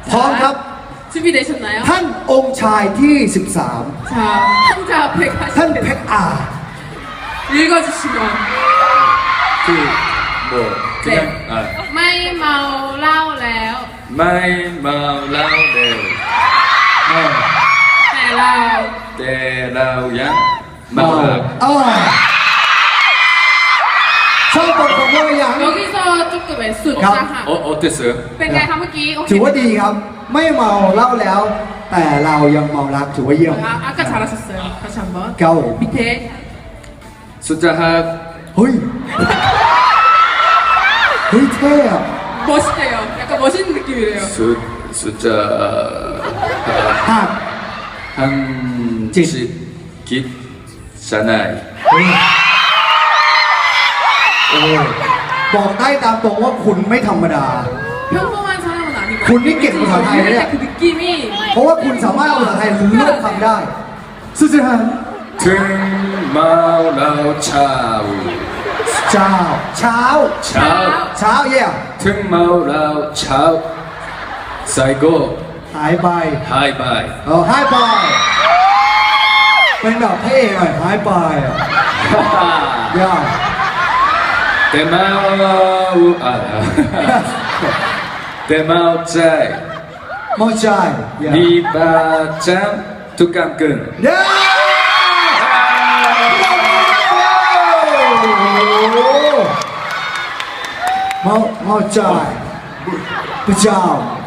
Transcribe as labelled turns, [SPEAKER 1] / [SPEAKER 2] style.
[SPEAKER 1] พร้อมครับ
[SPEAKER 2] 준비되셨나요?
[SPEAKER 1] ท่านองค์ชายที่ 13
[SPEAKER 2] 자, 한자 앞에
[SPEAKER 1] ท่านเพ
[SPEAKER 2] 가시면
[SPEAKER 1] ชรอา
[SPEAKER 2] 읽어주시면
[SPEAKER 3] 뭐 그냥 아
[SPEAKER 2] 마이 마오 라오 레오
[SPEAKER 3] 마이 마라우레오
[SPEAKER 2] 네라오
[SPEAKER 3] 때라우양 마라
[SPEAKER 1] ชอบบทของว่าอย่าง
[SPEAKER 2] 여기서 조금 숫자하
[SPEAKER 3] 어땠어요?
[SPEAKER 2] เป็นไงคะเมื่อกี้โอเค
[SPEAKER 1] ถือว่าดีครับ ไม่เมาเหล้าแล้ว แต่เรายังเมารักถือว่าเยี่ยม
[SPEAKER 2] 아까 잘하셨어요 다시 한번
[SPEAKER 1] เก้า
[SPEAKER 2] 밑에
[SPEAKER 3] 숫자 합
[SPEAKER 1] เฮ้ย เฮ้ยเท่อะ
[SPEAKER 2] 멋있대요 약간 멋있는 느낌이래요
[SPEAKER 3] 숫자
[SPEAKER 1] หัก
[SPEAKER 3] 한집 깃 사나이
[SPEAKER 1] โอ้บอกได้ตามตรงว่าคุณไม่ธรรมดา
[SPEAKER 2] 평범한 사람은 아니고
[SPEAKER 1] 군인 게 뭐야,
[SPEAKER 2] 읽을 때그 느낌이
[SPEAKER 1] เพราะว่าคุณสามารถเอาภาษาไทยเลือกคำได้สุดท้าย
[SPEAKER 3] 등마라우 차우
[SPEAKER 1] เช้าเช้า
[SPEAKER 3] 차우
[SPEAKER 1] เช้าเยี่ยม
[SPEAKER 3] 등마라우 차우 사이고
[SPEAKER 1] หายไป
[SPEAKER 3] 하이바이
[SPEAKER 1] หายไปเป็นแบบเท่หน่อยหายไปเยี่ยม
[SPEAKER 3] 대마우 아 대마우 짜이
[SPEAKER 1] มองใจเยี่ยม
[SPEAKER 3] 니바짱 뚜깜끈
[SPEAKER 1] เย้มองใจพระเจ้า